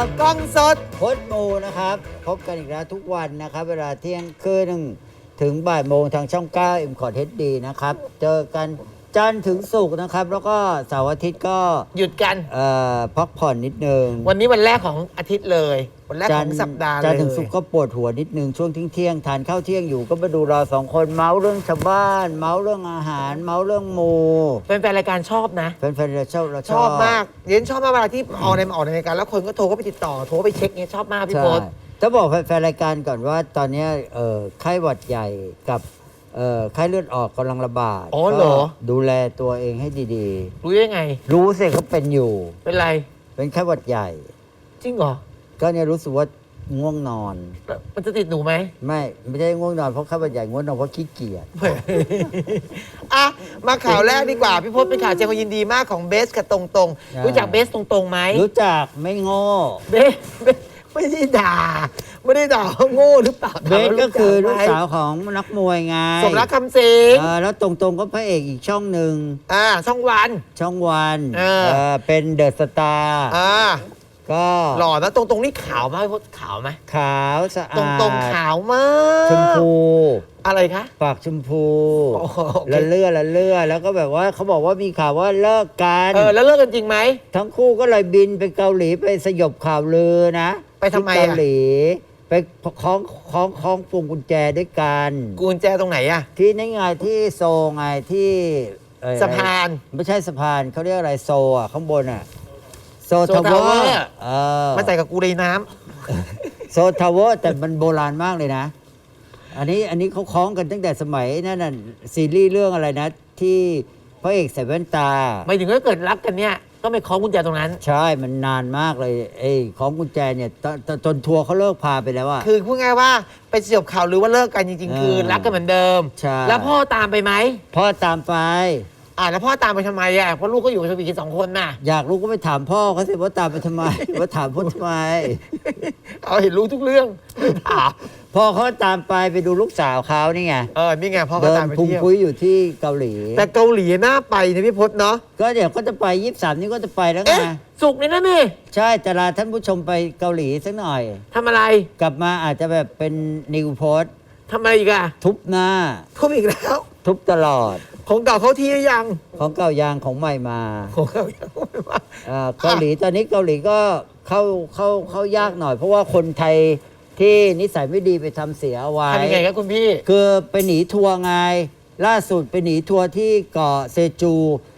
กล้องสดพดมูนะครับพบกันอีกแล้วทุกวันนะครับเวลาเที่ยงคืนถึงบ่ายโมงทางช่อง9 M c o t HD นะครับเจอกันจันทร์ถึงศุกร์นะครับแล้วก็เสาร์อาทิตย์ก็หยุดกันพักผ่อนนิดนึงวันนี้วันแรกของอาทิตย์เลยวันแรกของสัปดาห์เลยจันทร์ถึงศุกร์ก็ปวดหัวนิดนึงช่วงเที่ยงทานข้าวเที่ยงอยู่ก็มาดูเราสองคนเมาส์เรื่องชาวบ้านเมาส์เรื่องอาหารเมาส์เรื่องหมูแฟนๆรายการชอบนะแฟนๆเราชชออบบ มากเรียนชอบมากเวลาที่ออกในรายการแล้วคนก็โทรก็ไปติดต่อโทรไปเช็คเนี่ยชอบมากพี่ใช่โพสต้องบอกแฟนๆรายการก่อนว่าตอนนี้ไข้หวัดใหญ่กับไข้เลือดออกกำลังระบาดอ๋อเหรอก็ดูแลตัวเองให้ดีรู้ได้ไงๆ รู้สิเขาเป็นอยู่เป็นไรเป็นไข้หวัดใหญ่จริงเหรอก็เนี่ยรู้สึกว่าง่วงนอนมันจะติดหนูไหมไม่ใช่ง่วงนอนเพราะไข้หวัดใหญ่ง่วงนอนเพราะขี้เกียจอ่ะมาข่าวแรกดีกว่าพี่พศเป็นข่าวแสดงความยินดีมากของเบสกับตรงๆรู้จักเบสตรงๆไหมรู้จักไม่โง่เบสไม่ได้ด่าว่าโง่หรือเปล่าเบสก็คือลูกถมสาวของนักมวยไงสมรักคำสิงแล้วตรงๆก็พระเอกอีกช่องหนึ่งช่องวันช่องวันเป็นเดอะสตาร์ ก็หล่อนะตรงนี่ขาวมากพี่พศขาวไหมขาวสะอาดตรงขาวมากชมพูอะไรคะปากชมพูโอ้โหโอเคละเลื่อแล้วก็แบบว่าเขาบอกว่ามีข่าวว่าเลิกกันแล้วเลิกกันจริงไหมทั้งคู่ก็เลยบินไปเกาหลีไปสยบข่าวลือนะไปทำไมที่เกาหลีไปคล้องพวงกุญแจด้วยกันกุญแจตรงไหนอะที่นี่ไงที่โซลไงที่สะพานไม่ใช่สะพานเขาเรียกอะไรโซลอ่ะข้างบนอ่ะโซโซทาวทาวเวเวออร์ร์มาใส่กับกูในน้โซทาวเวอร์แต่มันโบราณมากเลยนะ อันนี้เขาคล้องกันตั้งแต่สมัยนั่นน่ะซีรีส์เรื่องอะไรนะ ที่พระเอกใส่แว่นตาำไม่ถึงถ้าเกิดรักกันเนี่ยก็ไม่คล้องกุญแจตรงนั้นใช่มันนานมากเลยคล้องกุญแจเนี่ยจนทัวร์เขาเลิกพาไปแล้วอะคือพูดง่ายว่าไปสยบข่าวหรือว่าเลิกกันจริงๆ คือรักกันเหมือนเดิมใช่แล้วพ่อตามไปไหมพ่อตามไปแล้วพ่อตามไปทำไมอะเพราะลูกก็อยู่กับสวีกัน2 คนน่ะอยากรู้ก็ไปถามพ่อเขาสิว่าตามไปทำไม ว่าถามพ่อทำไมเอาเห็นรู้ทุกเรื่องถามพ่อเขาตามไปดูลูกสาวเขานี่ไงนี่ไงพ่อก็เดินตามไปพุงเที่ยวคุยอยู่ที่เกาหลีแต่เกาหลีน่าไปนะพี่พศเนาะก็เดี๋ยวก็จะไป23นี่ก็จะไปแล้วไงสุกร์นี่นะนี่ใช่จะลาท่านผู้ชมไปเกาหลีสักหน่อยทำอะไรกลับมาอาจจะแบบเป็นนิวโพสต์ทำอะไรอีกอะทุบหน้าทุบอีกแล้วทุบตลอดของเก่าเขาที่หรือยังของเก่ายางของใหม่มาของเก่ายังไม่มาเกาหลีตอนนี้เกาหลีก็เข้ายากหน่อย เพราะว่าคนไทยที่นิสัยไม่ดีไปทำเสียเอาไว้ทำยังไงครับคุณพี่คือไปหนีทัวร์ไง ล่าสุดไปหนีทัวร์ที่เกาะเซจู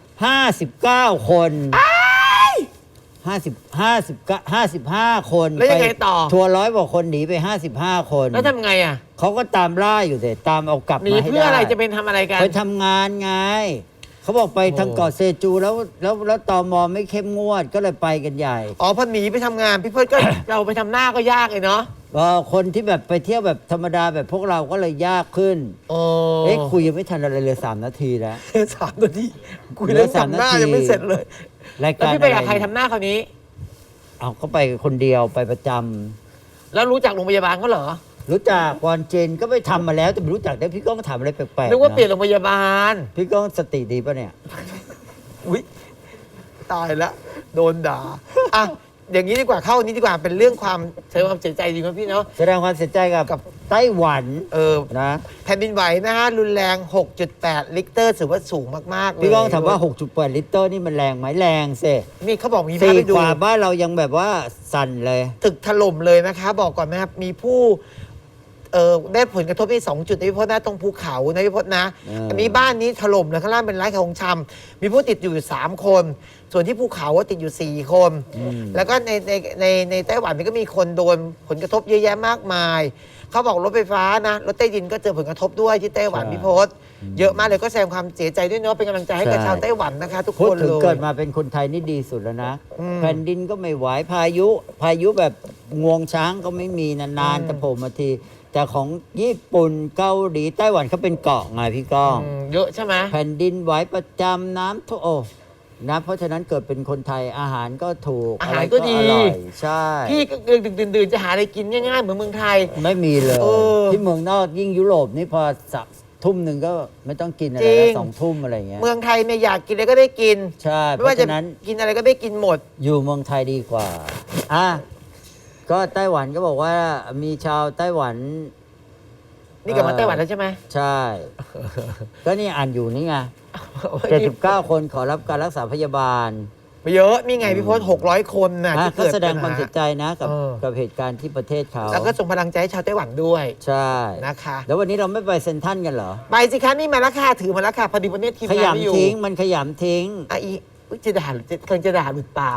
59 คน55 คนแล้วยังไงต่อทัวร์100 กว่าคนหนีไป55 คนแล้วทำไงอะเขาก็ตามล่าอยู่แต่ตามเอากลับหนีมาให้เพื่ออะไรได้จะเป็นทำอะไรกันไปทำงานไง เขาบอกไปทางเกาะเซจูแล้วตมไม่เข้มงวดก็เลยไปกันใหญ่พอหนีไปทำงานพี่เพิร์ดก็ เราไปทำหน้าก็ยากเลยเนาะคนที่แบบไปเที่ยวแบบธรรมดาแบบพวกเราก็เลยยากขึ้น คุยยังไม่ทันอะไรเลย3 นาทีแล้ว 3 นาทีคุยเรื่องทำหน้ายังไม่เสร็จเลยรายแล้วการพี่ไปกับใครทำหน้าคราวนี้เอาก็ไปคนเดียวไปประจำแล้วรู้จักโรงพยาบาลเขาเหรอรู้จักวอนเจนก็ไปทำมาแล้วแต่ไม่รู้จักได้พี่ก้องถามอะไรแปลกๆนึกว่าะเปลี่ยนโรงพยาบาลพี่ก้องสติดีปะเนี่ยอุ๊ยตายแล้วโดนด่าอ่ะอย่างนี้ดีกว่าเข้านี้ดีกว่าเป็นเรื่องความแสดงความเสียใจจริงครับพี่เนาะแสดงความเสียใจกับไต้หวันนะแผ่นดินไหวนะฮะรุนแรง 6.8 ลิกเตอร์ถือว่าสูงมากๆเลยพี่ก้องถามว่า6.8 ลิตรนี่มันแรงไหมแรงสินี่เขาบอกมีภาพสี่ให้ดูกว่าบ้านเรายังแบบว่าสั่นเลยตึกถล่มเลยนะคะบอกก่อนนะครับมีผู้ได้ผลกระทบที่2 จุดนะพี่พจน์นะตรงภูเขานะพี่พจน์นะ อันนี้บ้านนี้ถล่มเลยข้างล่างเป็นร้านขายของชำมีผู้ติดอยู่3 คน ส่วนที่ภูเขาติดอยู่4 คน แล้วก็ในไต้หวันนี่ก็มีคนโดนผลกระทบเยอะแยะมากมายเขาบอกรถไฟฟ้านะรถใต้ดินก็เจอผลกระทบด้วยที่ไต้หวันพี่พจน์เยอะมากเลยก็แสดงความเสียใจด้วยเนาะเป็นกำลังใจให้กับชาวไต้หวันนะคะทุกพูคดนถึงเลยเกิดมาเป็นคนไทยนี่ดีสุดแล้วนะแผ่นดินก็ไม่ไหวพายุแบบงวงช้างก็ไม่มีนานๆจะโผล่มาทีแต่ของญี่ปุ่นเกาหลีไต้หวันเขาเป็นเกาะไงพี่ก้องเยอะใช่ไหมแผ่นดินไหวประจำน้ำท่วมนะเพราะฉะนั้นเกิดเป็นคนไทยอาหารก็ถูกอาหารก็ดีอร่อยใช่พี่ก็ดื่นๆจะหาอะไรกินง่ายๆเหมือนเมืองไทยไม่มีเลยเออที่เมืองนอกยิ่งยุโรปนี่พอทุ่มหนึ่งก็ไม่ต้องกินอะไรจริแล้วง 2 ทุ่มอะไรอย่างเงี้ยเมืองไทยเนี่ยอยากกินอะไรก็ได้กินใช่เพไม่ว่าราะจะฉะนั้นกินอะไรก็ได้กินหมดอยู่เมืองไทยดีกว่าอ่ะก็ไต้หวันก็บอกว่ามีชาวไต้หวันนี่กลับมาไต้หวันแล้วใช่ไหมใช่ ก็นี่อ่านอยู่นี่ไง79 คนขอรับการรักษาพยาบาลไม่เยอะนี่ไงพี่พศ600 คนน่ะที่ก็เกิดแสดงปัญความหเสียใจนะกับเออกับเหตุการณ์ที่ประเทศเขาแล้วก็ส่งพลังใจให้ชาวไต้หวันด้วยใช่นะคะแล้ววันนี้เราไม่ไปเซ็นทรัลกันเหรอไปสิคะนี่มาแล้วค่ะถือมาแล้วค่ะพอดีวันนี้ทีมขงานไม่อยู่ยำทิ้งมันขยำทิ้งอ่ะอีอุ๊ยจะด่าหรือจะกำลังจะด่าหลุดปาก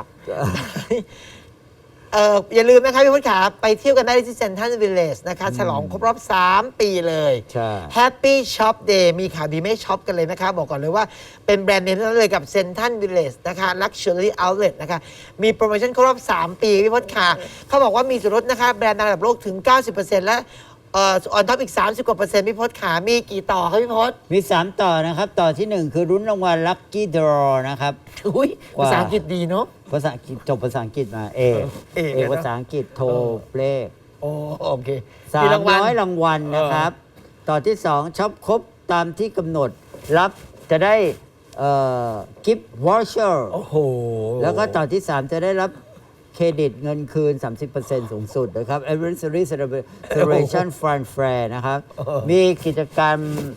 อย่าลืมนะคะพี่พศขาไปเที่ยวกันได้ที่เซ็นทรัลวิลเลจนะคะฉลองครบรอบ 3 ปีเลยใช่ Happy Shop Day มีข่าวดีไม่ช็อปกันเลยนะคะ บอกก่อนเลยว่าเป็นแบรนด์เนมทั้งนั้นเลยกับเซ็นทรัลวิลเลจนะคะ Luxury Outlet นะคะ มีโปรโมชั่นครบรอบ 3 ปีพี่พศขาเขาบอกว่ามีส่วนลดนะคะ แบรนด์ดังระดับโลกถึง 90%และออนท็อปอีก 30 กว่าเปอร์เซ็นต์พี่พศขามีกี่ต่อครับพี่พศมี 3 ต่อนะครับ ต่อที่ 1 คือรุ้นรางวัล Lucky Draw นะครับอุ้ยภาษาอังกฤษดีเนาะภาษาอังกฤษจบภาษาอังกฤษมาเอกเอกเอกนะภาษาอังกฤษโทรเลขโอ้โอเค 300 รางวัลนะครับ ต่อที่ 2ช็อปครบตามที่กำหนดรับจะได้กิฟต์วอชเชอร์โอ้โหแล้วก็ต่อที่ 3 จะได้รับเครดิตเงินคืน 30% สูงสุดนะครับ Anniversary Celebration Fun Fair นะครับ มีกิจกรรม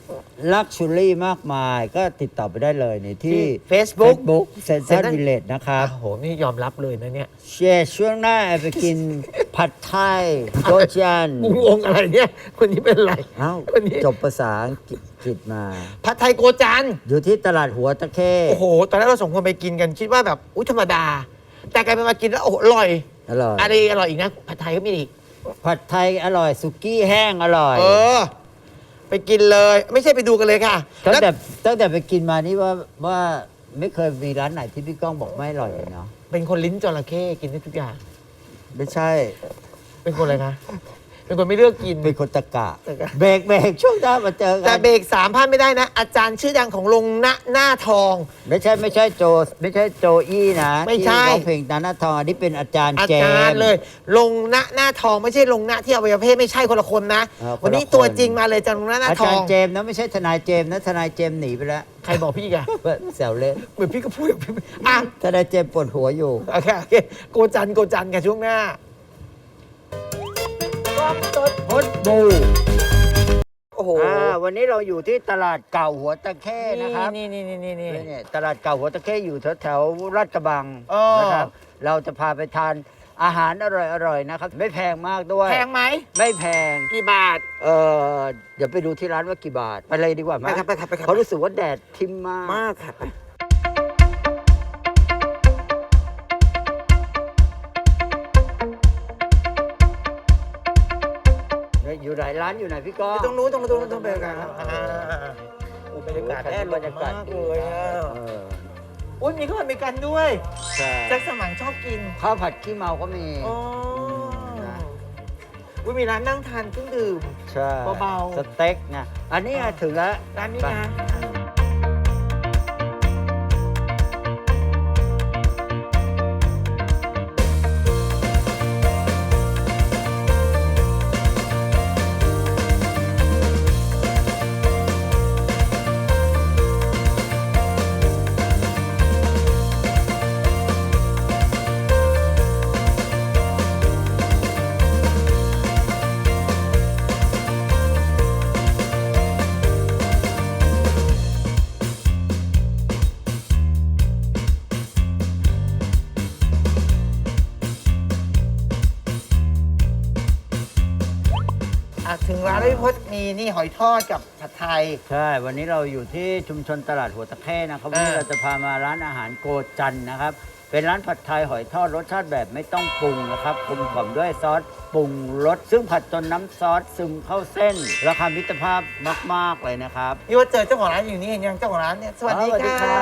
Luxury มากมาย ก็ติดต่อไปได้เลยในที่ Facebook Central Village นะครับโอ้โห นี่ยอมรับเลยนะเนี่ยเชียร์ช่วงหน้าไปกิน ผัดไทยโจจันงงอะไรเนี่ย คนนี้เป็นไรเอ้าคนนี้จบภาษาอังกฤษมาผัดไทยโกจันอยู่ที่ตลาดหัวตะเข้โอ้โห ตอนแรกเราสองคนไปกินกันคิดว่าแบบ อุ้ยธรรมดา แต่กลายเป็นมากินแล้วโอ้โหอร่อยอร่อยอะไรอร่อยอีกนะ ผัดไทยก็มีอีกผัดไทยอร่อย สุกี้แห้งอร่อยเออ ไปกินเลย ไม่ใช่ไปดูกันเลยค่ะตั้งแล้วแต่ไปกินมานี่ว่าไม่เคยมีร้านไหนที่พี่ก้องบอกไม่อร่อยเลยเนาะเป็นคนลิ้นจระเข้กินได้ทุกอย่างไม่ใช่เป็นคนอะไรคะ เป็นคนไม่เลือกกินเป็นคนตะกะตะกะเบรกช่วงหน้ามาเจอกัแต่เบรก3พลาดไม่ได้นะ อาจารย์ชื่อดังของลงหน้าทองไม่ใช่โจอี้นะไม่ใช่ที่ร้องเพลงตาหน้าทองอันนี้เป็นอาจารย์อาเจจารมย์ส์เลย ลงหน้าทองไม่ใช่ลงหน้าที่อวัยวะเพศไม่ใช่คนละคนนะคนละวันนี้คนตัวจริงมาเลยอาจารย์ลงหน้าอาทจาอรง ย์เจมส์นะไม่ใช่ทนายเจมส์นะทนายเจมส์หนีไปแล้วใครบอกพี่อีกอะแซวเล่นเหมือนพี่ก็พูดอ่ะทนายเจมส์ปวดหัวอยู่โอเคโกจันกันช่วงหน้าพดบูโอ้โหวันนี้เราอยู่ที่ตลาดเก่าหัวตะเข้นะครับนี่เนี่ยตลาดเก่าหัวตะเข้อยู่แถวลาดกระบังอ๋อนะครับ เราจะพาไปทานอาหารอร่อยๆนะครับ ไม่แพงมากด้วยแพงไหมไม่แพงกี่บาทเดี๋ยวไปดูที่ร้านว่ากี่บาท ไปเลยดีกว่าไหมไปครับไปครับเขาะรู้สึกว่าแดดทิมมากมากค่ะอยู่ไหนร้านอยู่ไหนพี่ก้องตรงนู้นไปกันครับบรรยากาศแน่นบรรยากาศมากเลยอ่ะเอออุ้ยมีข้าวผัดอเมริกันด้วยใช่แจ็คสมังชอบกินข้าวผัดขี้เมาก็มีอ๋อนะอุ้ยมีร้านนั่งทานเครื่องดื่มใช่เบาๆสเต็กนะอันนี้ถึงแล้วร้านนี้นะ ถึงร้านแล้วพี่พศมีนี่หอยทอดกับผัดไทยใช่ วันนี้เราอยู่ที่ชุมชนตลาดหัวตะเข้นะครับวันนี้เราจะพามาร้านอาหารโกจันนะครับ เป็นร้านผัดไทยหอยทอดรสชาติแบบไม่ต้องปรุงนะครับกลมกล่อมด้วยซอสปรุงรสซึ่งผัดจนน้ำซอสซึมเข้าเส้น ราคามิตรภาพมาก ๆ เลยนะครับพี่ว่าเจอเจ้าของร้านอยู่นี่เห็นยังเจ้าของร้านเนี่ยสวัสดีสวัสดีค่ะ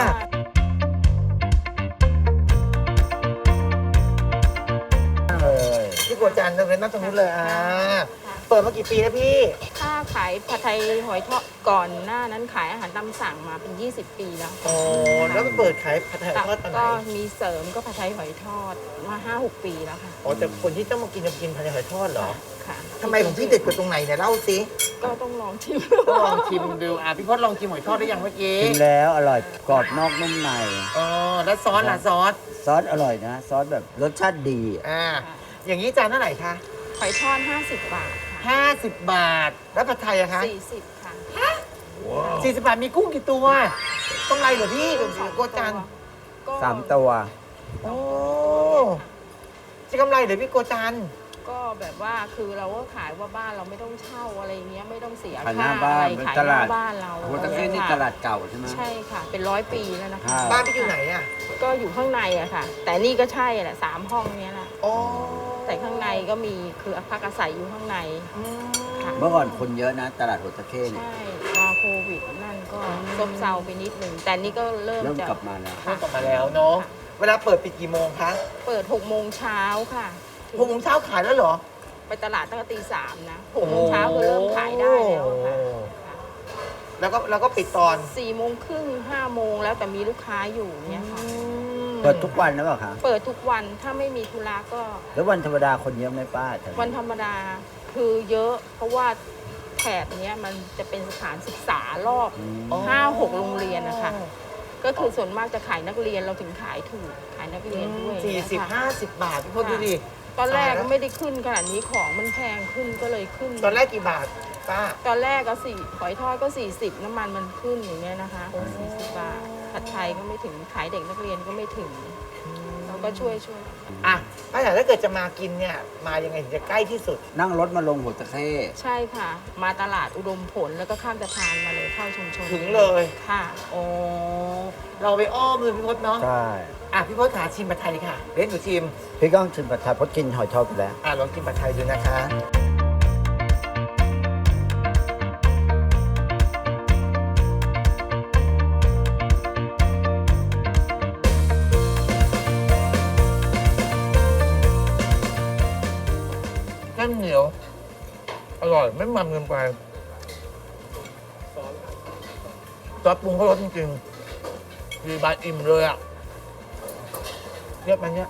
เลยพี่โกจันเราเรียนนั่งตรงนู้นเลยเปิดมากี่ปีแล้วพี่ถ้าขายผัดไทยหอยทอดก่อนหน้านั้นขายอาหารตามสั่งมาเป็น 20 ปีแล้วโอ้แล้วมาเปิดขายผัดไทยทอดตอนไหนก็มีเสริมก็ผัดไทยหอยทอดมา 5-6 ปีแล้วค่ะอ๋อแต่คนที่ต้องมากินจะกินผัดไทยหอยทอดเหรอค่ะทำไมของพี่เด็ดกว่าตรงไหนเนี่ยเล่าสิก็ต้องลองชิมต้องลองชิมดูพี่พศลองชิมหอยทอดได้ยังเมื่อกี้กินแล้วอร่อยกรอบนอกนุ่มในอ๋อแล้วซอสล่ะซอสซอสอร่อยนะ ซอสแบบรสชาติดีอ่าอย่างนี้จานเท่าไหร่คะหอยทอด 50 บาทค่ะ 50 บาท แล้วผัดไทยอะคะ 40 ค่ะ 40 บาทมีกุ้งกี่ตัวกำไรเหรอพี่โกจันก็ 3 ตัวโอ้จะกำไรเหรอพี่โกจันก็แบบว่าคือเราก็ขายว่าบ้านเราไม่ต้องเช่าอะไรเงี้ยไม่ต้องเสียขายหค่าน้าบ้านอะไรเป็นขายตหน้าลาดบ้านเราหัวตะเข้นี่ตลาดเก่าใช่ไหมใช่ค่ะ เป็น100 ปีแล้วนะคะครับบ้านพี่อยู่ไหนอะก็อยู่ข้างในอะค่ะ แต่นี่ก็ใช่แหละ3 ห้องเนี้ยแหละอ๋อแต่ข้างในก็มีคือพักอาศัยอยู่ข้างในอืมค่ะเมื่อก่อนคนเยอะนะ ตลาดหัวตะเข้เนี่ยใช่พอโควิดนั่นก็ซบเซาไปนิดหนึ่งแต่นี่ก็เริ่มเริ่มจะกลับมาแล้วเริ่มกลับมาแล้วเนาะเวลาเปิดปิดกี่โมงคะเปิด6 โมงเช้าค่ะ 6 โมงเช้าขายแล้วเหรอไปตลาดตั้งแต่ตี 3 นะ6 โมงเช้าก็เริ่มขายได้แล้วค่ะแล้วก็ปิดตอน 4 โมงครึ่ง5 โมงแล้วแต่มีลูกค้าอยู่เนี่ยค่ะเปิดทุกวันนะเปล่าคะเปิดทุกวันถ้าไม่มีธุระก็แล้ววันธรรมดาคนเยอะไหมป้าแถวนี้วันธรรมดาคือเยอะ เพราะว่าแถบเนี้ยมันจะเป็นสถานศึกษารอบอืม 5-6 โรงเรียนนะคะ ก็คือส่วนมากจะขายนักเรียนเราถึงขายถูกขายนักเรียนด้วย 40-50 บาทพี่พจน์ดูดิตอนแรกก็ไม่ได้ขึ้นขนาดนี้ของมันแพงขึ้นก็เลยขึ้นตอนแรกกี่บาทป้าตอนแรกก็หอยทอดก็ 40 น้ำมันมันขึ้นอย่างเงี้ยนะคะ40 บาทผัดไทยก็ไม่ถึงขายเด็กนักเรียนก็ไม่ถึงเราก็ช่วยอ่ะป้าอยากถ้าเกิดจะมากินเนี่ยมายังไงถึงจะใกล้ที่สุดนั่งรถมาลงหัวตะเข้ใช่ค่ะ มาตลาดอุดมผลแล้วก็ข้ามสะพานมาเลยเข้าชุมชนถึงเลยค่ะอ๋อเราไปอ้อมเลยพี่พจน์เนาะใช่อ่ะพี่พจน์ขาชิมผัดไทยค่ะเล่นหนูชิมพี่ก้องชิมผัดไทยเพราะกินหอยทอดไปแล้วอ่ะลองกินผัดไทยดูนะคะ เส้นเหนียว อร่อย ไม่มันเกินไปซอสปรุงเขารสจริงๆคือบาอิ่มเลยอ่ะเรียบมันเนี้ย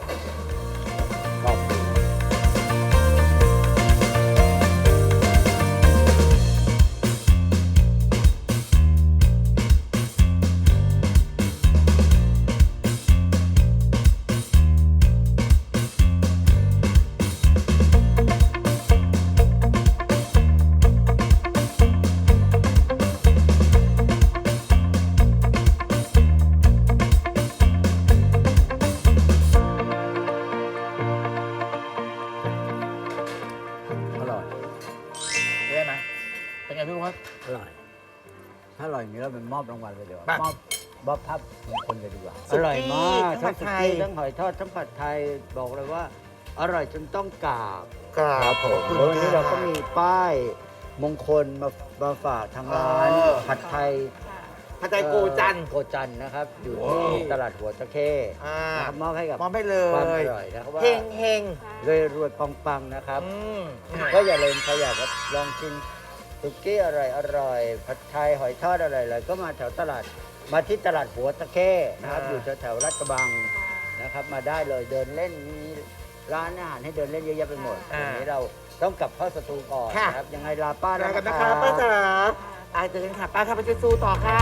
อร่อยได้ไหมเป็นไงพี่พจน์อร่อย ถ้าอร่อยอย่างนี้เราเป็นมอบรางวัลเลยเดี๋ยวไปมอบภาพมงคลเลยดีกว่าสุอกี้ร่อยมากทั้ทั้งงผัสุดไทยกี้ทั้งหอยทอดทั้งผัดไทยบอกเลยว่า อร่อยจนต้องกราบครับผมแล้ววันนี้เราก็มีป้ายมงคลมาฝากทางร้านผัดไทยค่ะผัดไทยโกจันทร์โกจันทร์นะครับ อยู่ว้าวที่ตลาดหัวตะเข้อ่านะครับมอบให้กับมอบให้เลความยอร่อยนะครับว่าเฮงเฮงรวยรวยปังๆนะครับอืมก็อย่าลืมใครอยากจะลองชิมสุกี้อร่อยผัดไทยหอยทอดอร่อยๆก็มาแถวตลาดมาที่ตลาดหัวตะเข้นะครับ อยู่แถวๆลาดกระบังนะครับ มาได้เลยเดินเล่นมีร้านอาหารให้เดินเล่นเยอะแยะไปหมดวันนี้เราต้องกลับเข้าสตูก่อนนะครับยังไงลาป้าลาแล้วกันนะนะคคะรับป้าจ๋าอ่ะเจอกันค่ะป้าค่ะไปช่วยสู้ต่อค่ะ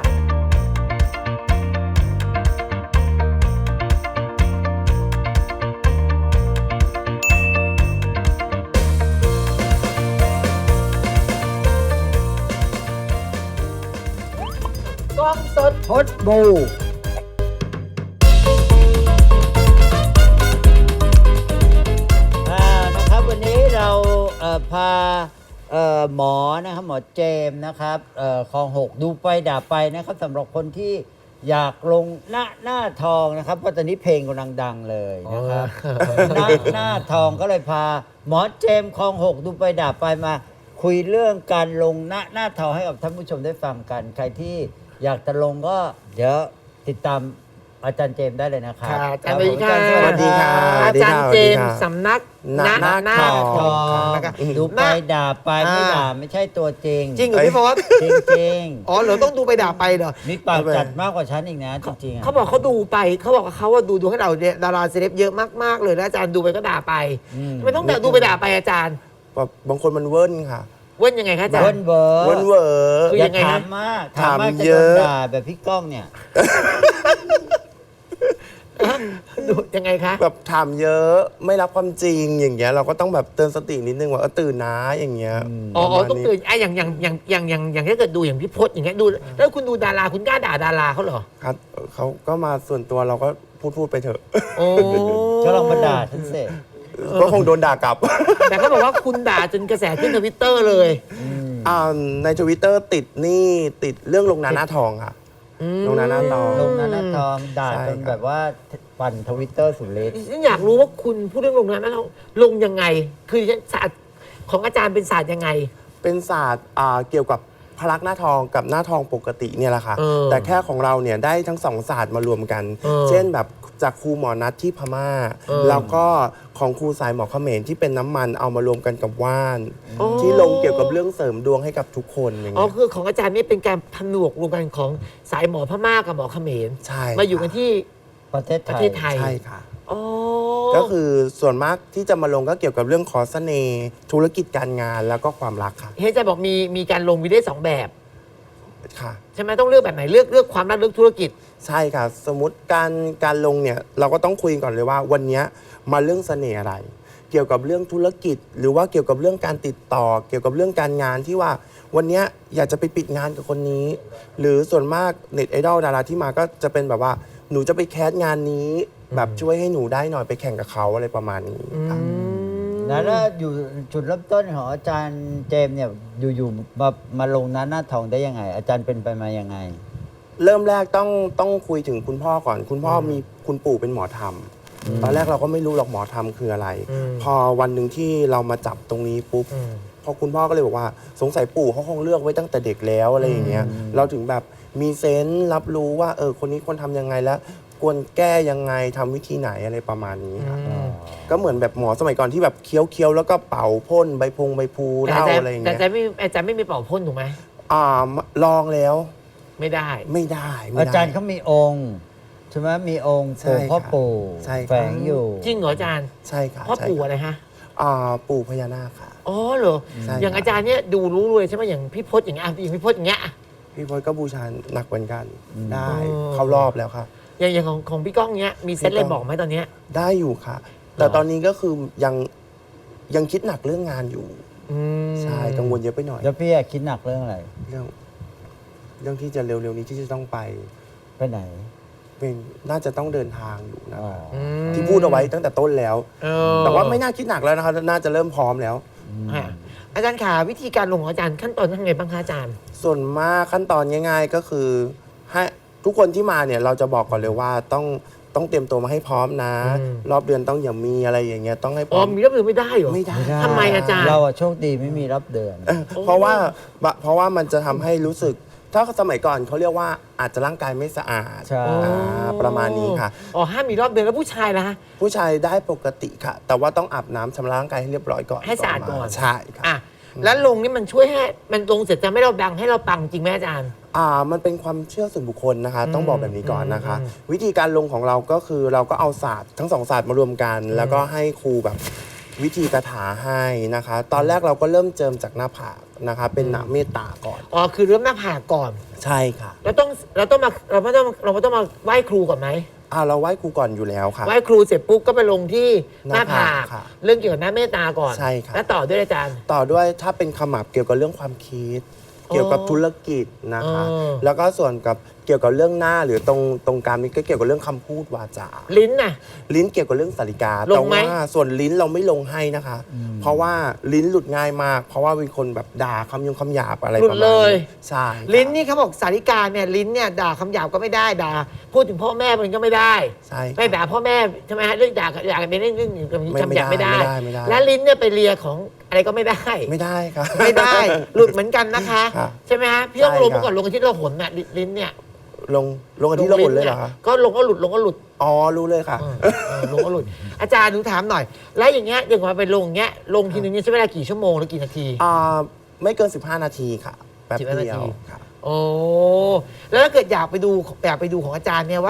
กล้องสดพดบูนะครับวันนี้เราพาหมอนะครับหมอเจมส์นะครับคลอง 6 ดูไปด่าไปนะครับสำหรับคนที่อยากลงหน้าทองนะครับเพราะตอนนี้เพลงกำลังดังเลยนะครับหน้าทองก็เลยพาหมอเจมส์คลอง 6 ดูไปด่าไปมาคุยเรื่องการลงหน้าทองให้กับท่านผู้ชมได้ฟังกัน ใครที่อยากจะลงก็เดี๋ยวติดตามอาจารย์เจมส์ได้เลยนะครับค่ะอาจารย์สวัสดีค่ะสวัสดีค่ะอาจารย์เจมส์สำนักหน้าทองนะคะดูไปด่าไปไม่ด่าไม่ใช่ตัวจริงจริงเหรอพี่พศจริงจริงอ๋อเหรอต้องดูไปด่าไปเหรอๆมีปากจัดมากกว่าฉันอีกนะจริงๆอะเขาบอกเขาดูไปเขาบอกว่าเขาว่าดูให้เราเนี่ยดาราเซเลบเยอะมากๆเลยแล้วอาจารย์ดูไปก็ด่าไปอืมทำไมต้องดูไปด่าไปอาจารย์บางคนมันเวิ้นค่ะเว้นยังไงคะอาจารเบิ้ลย์เบอร์เวิ้นเวอร์คืออย่ายังไงถาฮะมมากถามมากถามจะเยโดนอะด่าแบบพี่ก้องเนี่ยดูยังไงคะแบบถามเยอะไม่รับความจริงอย่างเงี้ยเราก็ต้องแบบเตือนสตินิดนึงว่าตื่นนะอย่างเงี้ยอ๋อประมาณต้องนี้ตื่นอย่างถ้าเกิดดูอย่างพี่พจน์อย่างเงี้ยดูแล้วคุณดูดาราคุณกล้าด่าดาราเขาเหรอครับเขาก็มาส่วนตัวเราก็พูดไปเถอะโอ้ก็ลองมาด่าฉันเสร็จก็คงโดนด่ากลับแต่เขาบอกว่าคุณด่าจนกระแสขึ้นทวิตเตอร์เลยในทวิตเตอร์ติดเรื่องลงหน้าทองค่ะลงหน้าทองลงนั้นนะทองด่าใช่จนครับแบบว่าปั่นทวิตเตอร์สุดฤทธิ์ฉันอยากรู้ว่าคุณพูดเรื่องลงนั้นแล้วลงยังไง คือศาสตร์ของอาจารย์เป็นศาสตร์ยังไงเป็นศาสตร์เกี่ยวกับพลักษณ์หน้าทองกับหน้าทองปกติเนี่ยแหละค่ะเออแต่แค่ของเราเนี่ยได้ทั้งสองศาสตร์มารวมกันเออเช่นแบบจากครูหมอนัทที่พม่าเออแล้วก็ของครูสายหมอเขมรที่เป็นน้ำมันเอามารวมกันกับว่านอ๋อที่ลงเกี่ยวกับเรื่องเสริมดวงให้กับทุกคนอย่างอ๋อเงี้ยคือของอาจารย์นี่เป็นการผนวกรวมกันของสายหมอพม่ากับหมอเขมรใช่มาอยู่กันที่ประเทศปไทระยเทศไทยใช่ค่ะอ๋อก็คือส่วนมากที่จะมาลงก็เกี่ยวกับเรื่องขอเสน่ห์ธุรกิจการงานแล้วก็ความรักค่ะเฮ้ยอาจารย์บอกมีการลงวิดีโอ2 แบบค่ะใช่ไหมต้องเลือกแบบไหนเลือกความรักเลือกธุรกิจใช่ค่ะ สมมติการลงเนี่ยเราก็ต้องคุยก่อนเลยว่าวันเนี้ยมาเรื่องเสน่ห์อะไร เกี่ยวกับเรื่องธุรกิจ หรือว่าเกี่ยวกับเรื่องการติดต่อ เกี่ยวกับเรื่องการงานที่ว่าวันเนี้ยอยากจะไปปิดงานกับคนนี้ หรือส่วนมากเน็ตไอดอลดาราที่มาก็จะเป็นแบบว่าหนูจะไปแคสงานนี้ แบบช่วยให้หนูได้หน่อยไปแข่งกับเขาอะไรประมาณนี้ค่ะแล้วอยู่จุดเริ่มต้นของอาจารย์เจมส์เนี่ยอยู่ๆมาลงนั้นหน้าทองได้ยังไง อาจารย์เป็นไปมายังไงเริ่มแรกต้องคุยถึงคุณพ่อก่อน คุณพ่อมีคุณปู่เป็นหมอธรรมตอนแรกเราก็ไม่รู้หรอกหมอธรรมคืออะไรอืมพอวันหนึ่งที่เรามาจับตรงนี้ปุ๊บอืมพอคุณพ่อก็เลยบอกว่าสงสัยปู่เขาคงเลือกไว้ตั้งแต่เด็กแล้วอะไรอย่างเงี้ยเราถึงแบบมีเซนส์รับรู้ว่าคนนี้ควรทำยังไงแล้วควรแก้ยังไงทำวิธีไหนอะไรประมาณนี้ครับก็เหมือนแบบหมอสมัยก่อนที่แบบเคี้ยวๆแล้วก็เป่าพ่นใบพูแต่เหล้าอาจารย์อะไรอย่างแต่เงี้ยอาจารย์ไม่มีเป่าพ่นถูกไหมลองแล้วไม่ได้ไม่ได้ไม่อาได้จารย์เขามีองค์ใช่ไหมมีองค์ใช่ปู่พ่อครับปู่ใช่ครับแฝงอยู่จริงเหรออาจารย์ใช่ค่ะพ่อใช่ปู่ค่ะอะไรฮะปู่พญานาคค่ะอ๋อเหรอใช่อย่างครับอาจารย์เนี่ยดูรู้เลยใช่ไหมอย่างพี่พจน์อย่างเงี้ยอย่างพี่พจน์อย่างเงี้ยพี่พลก็บูชาหนักเหมือนกันได้อ๋อเข้ารอบแล้วค่ะอย่างของพี่ก้องเนี้ยมีเซตพี่เลก้ยองบอกไหมตอนเนี้ยได้อยู่ค่ะ แต่ตอนนี้ก็คือยังคิดหนักเรื่องงานอยู่อืมใช่กังวลเยอะไปหน่อยแล้วพี่อะคิดหนักเรื่องอะไรเรื่องที่จะเร็วๆนี้ที่จะต้องไปไปไหนเป็นน่าจะต้องเดินทางอยู่นะอ๋อคะอืมที่พูดเอาไว้ตั้งแต่ต้นแล้วเออแต่ว่าไม่น่าคิดหนักแล้วนะคะน่าจะเริ่มพร้อมแล้วฮะอาจารย์ขาวิธีการลงของอาจารย์ขั้นตอนทำไงบ้างคะอาจารย์ส่วนมากขั้นตอนง่าย ๆ ก็คือให้ทุกคนที่มาเนี่ยเราจะบอกก่อนเลยว่าต้องเตรียมตัวมาให้พร้อมนะอืมรอบเดือนต้องอย่ามีอะไรอย่างเงี้ยต้องให้พอ๋ร้ออมมีรับมือไม่ได้เหรอไม่ได้ไม่ได้ทำไมอาจารย์เราอะโชคดีไม่มีรับเดือนเพราะว่ามันจะทำให้รู้สึก ถ้าสมัยก่อนเขาเรียกว่าอาจจะร่างกายไม่สะอาดใช่ประมาณนี้ค่ะอ๋อห้ามมีรอบเดือนแล้วผู้ชายล่ะฮะผู้ชายได้ปกติค่ะ แต่ว่าต้องอาบน้ำชำระร่างกายให้เรียบร้อยก่อนให้สะอาดก่อนใช่ค่ะอ่ะแล้วลงนี่มันช่วยให้มันลงเสร็จจะไม่เราดังให้เราปังจริงไหมอาจารย์มันเป็นความเชื่อส่วนบุคคลนะคะ ต้องบอกแบบนี้ก่อนนะคะอืมวิธีการลงของเราก็คือเราก็เอาศาสตร์ทั้งสองศาสตร์มารวมกัน แล้วก็ให้ครูแบบวิธีคาถาให้นะคะ ตอนแรกเราก็เริ่มเจิมจากหน้าผากนะคะ เป็นหนาเมตตาก่อนอ๋อคือเริ่มหน้าผากก่อนใช่ค่ะเราต้องมาเราไม่ต้องมาไหว้ครูก่อนไหมเราไหว้ครูก่อนอยู่แล้วค่ะไหว้ครูเสร็จปุ๊บก็ไปลงที่หน้าผากหน้าผากค่ะเรื่องเกี่ยวกับหน้าเมตตาก่อนใช่ค่ะแล้วต่อด้วยอาจารย์ต่อด้วยถ้าเป็นขมับเกี่ยวกับเรื่องความคิด เกี่ยวกับธุรกิจนะคะอ๋อแล้วก็ส่วนกับเกี่ยวกับเรื่องหน้าหรือตรงกลางนี้ก็เกี่ยวกับเรื่องคำพูดวาจาลิ้นน่ะลิ้นเกี่ยวกับเรื่องสาริกาลแต่งไหมว่าส่วนลิ้นเราไม่ลงให้นะคะ เพราะว่าลิ้นหลุดง่ายมาก เพราะว่าเป็นคนแบบด่าคำหยาบอะไรหลุปดระมาณเลยนี้ใช่ค่ะลิ้นนี่เขาบอกสาริกาเนี่ยลิ้นเนี่ยด่าคำหยาบก็ไม่ได้ด่าพูดถึงพ่อแม่มันก็ไม่ได้ใช่ค่ะไม่ด่าพ่อแม่ใช่ไหมฮะเรื่องด่ากันเป็นเรื่องคำหยาบไม่ได้ไม่ได้และลิ้นเนี่ยไปเลียของอะไรก็ไม่ได้ไม่ได้ค่ะไม่ได้ หลุดเหมือนกันนะคะค่ะใช่ไหมฮะพี่ต้องใช่ลงครับมาก่อนลงอาทิตย์เราหนน่ะลิ้นเนี่ยลงกันที่ระบุเลยเหรอคะก็ลงก็หลุดลงก็หลุดอ๋อรู้เลยค่ะลงก็หลุด อาจารย์หนูถามหน่อย แล้วอย่างเงี้ยอย่างมาไปลงอย่างเงี้ยลงทีนึงเนี่ยใช้เวลากี่ชั่วโมงหรือกี่นาทีไม่เกิน 15 นาทีค่ะแป๊บ 15 เดียวนาทีค่ะโอ้แล้วถ้าเกิดอยากไปดูของอาจารย์เนี่ยว่า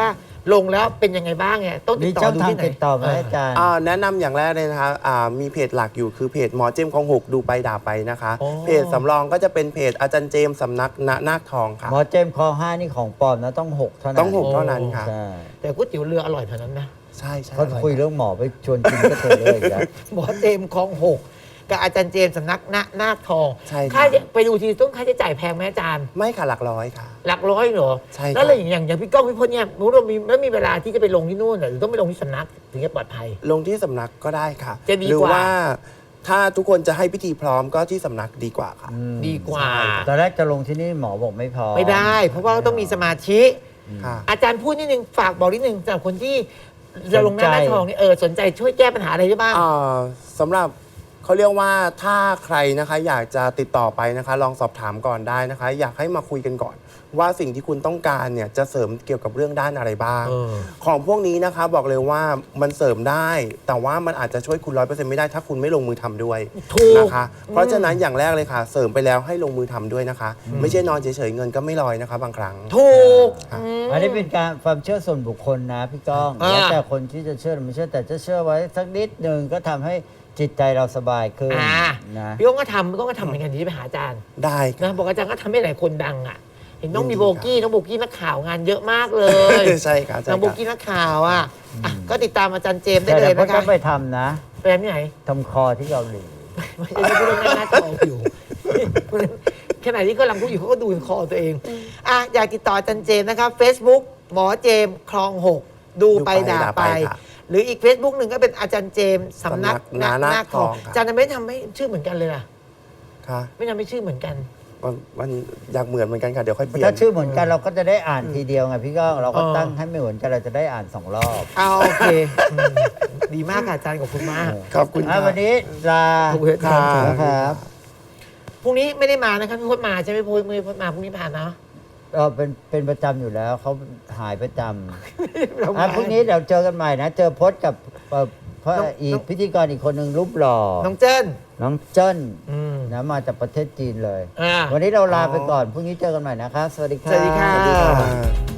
ลงแล้วเป็นยังไงบ้างไงต้องติมีดต่อช่องดูทางที่ไหนติดต่อไหมอาจารย์แนะนำอย่างแรกเลยนะคะมีเพจหลักอยู่คือเพจหมอเจมส์คลองหกดูไปด่าไปนะคะอ๋อเพจสำรองก็จะเป็นเพจอาจารย์เจมส์สำนักณนาคทองค่ะหมอเจมส์คลอง5นี่ของปลอมนะต้อง6เท่านั้นต้อง6เท่านั้นค่ะใช่แต่ก๋วยเตี๋ยวเรืออร่อยเท่านั้นนะใช่ใช่เขาคุยเรื่องหมอไปชวนกินก็เธอเลยนะหมอเจมส์คลองหกกับอาจารย์เจมส์สำนักนาคทองใช่ค่าค่ะไปดูทีต้องค่าใช้จ่ายแพงไหมอาจารย์ไม่ค่ะหลักร้อยค่ะหลักร้อยเหรอใช่ครับแล้วอะไรอย่างพี่ก้องพี่พจน์เนี่ยรู้ว่ามีเวลาที่จะไปลงที่นู่นเหรอหรือต้องไปลงที่สำนักถึงจะปลอดภัยลงที่สำนักก็ได้ค่ะจะดีหรืกว่าว่าถ้าทุกคนจะให้พิธีพร้อมก็ที่สำนักดีกว่าค่ะดีกว่าตอนแรกจะลงที่นี่หมอบอกไม่พอไม่ได้ เพราะว่าต้องมีสมาธิค่ะอาจารย์พูดนิดนึงฝากบอกนิดนึงสำหรับคนที่จะลงหน้าทองนี่สนใจช่วยแก้ปัญหาอะไรได้บ้างสำหรับเขาเรียกว่าถ้าใครนะคะอยากจะติดต่อไปนะคะ ลองสอบถามก่อนได้นะคะ อยากให้มาคุยกันก่อน ว่าสิ่งที่คุณต้องการเนี่ยจะเสริมเกี่ยวกับเรื่องด้านอะไรบ้าง ของพวกนี้นะคะบอกเลยว่ามันเสริมได้ แต่ว่ามันอาจจะช่วยคุณ100%ไม่ได้ถ้าคุณไม่ลงมือทำด้วยถูกนะคะ เพราะฉะนั้นอย่างแรกเลยค่ะ เสริมไปแล้วให้ลงมือทำด้วยนะคะ ไม่ใช่นอนเฉยๆเงินก็ไม่ลอยนะคะ บางครั้งถูกอันนี้เป็นการความเชื่อส่วนบุคคลนะพี่ก้องอ่าแล้วแต่คนที่จะเชื่อหรือไม่เชื่อแต่จะเชื่อไว้สักนิดหนึ่งก็ทำให้จิตใจเราสบายขึ้นนะพี่ก้องก็ทำพี่ก้องก็ทำเหมือนกันที่ไปหาอาจารย์ได้ค่ะนะบอกอาจารย์ก็ทำให้หลายคนดังอ่ะเห็นน้องยินดีมีโบกี้น้องโบกี้นักข่าวงานเยอะมากเลยใช่ค่ะใช่น้องโบค่ะกี้นักข่าวอ่ะก็ติดตามอาจารย์เจมส์ได้แต่เลยเราก็นะต้คะองไปทำนะไปที่ไหนทำคอที่เกาหลีไม่ใช่พูดเรื่องหน้าทองอยู่ ขณะที่กำลังพูดอยู่เขาก็ดูคอตัวเองอยากติดต่ออาจารย์เจมส์นะครับ Facebook หมอเจมส์คลองหกดูไปด่าไปค่ะหรืออีก Facebook หนึ่งก็เป็นอาจารย์เจมส์สำนักสำนักนาคทองค่ะอาจารย์ทำไมทำให้ชื่อเหมือนกันเลยล่ะค่ะไม่ทำให้ชื่อเหมือนกันมันอยากเหมือนกันค่ะ เดี๋ยวค่อยเปลี่ยนถ้าชื่อเหมือนกันเราก็จะได้อ่านทีเดียวไงพี่ก้องเราก็เออตั้งให้ไม่เหมือนกันเราจะได้อ่าน2 รอบเอาโอเคดีมากค่ะอาจารย์ขอบคุณมากขอบคุณค่ะวันนี้ลาขอบคุณครับนะครับพรุ่งนี้ไม่ได้มานะครับพี่พจน์มาใช่ไหมพี่พจน์ไม่ได้พจน์มาพรุ่งนี้ผ่านเนาะเราเป็นประจำอยู่แล้วเขาหายประจเราำมาพรุ่งนี้เดี๋ยวเจอกันใหม่นะ เจอพจน์กับเพราะอีกพิธีกรอีกคนหนึ่งรูปหล่อน้องเจิ้นน้องเจิ้นอืมนะมาจากประเทศจีนเลยอ่าวันนี้เราลาไปก่อนพรุ่งนี้เจอกันใหม่นะครับ สวัสดีครับสวัสดีค่ะสวัสดีค่ะ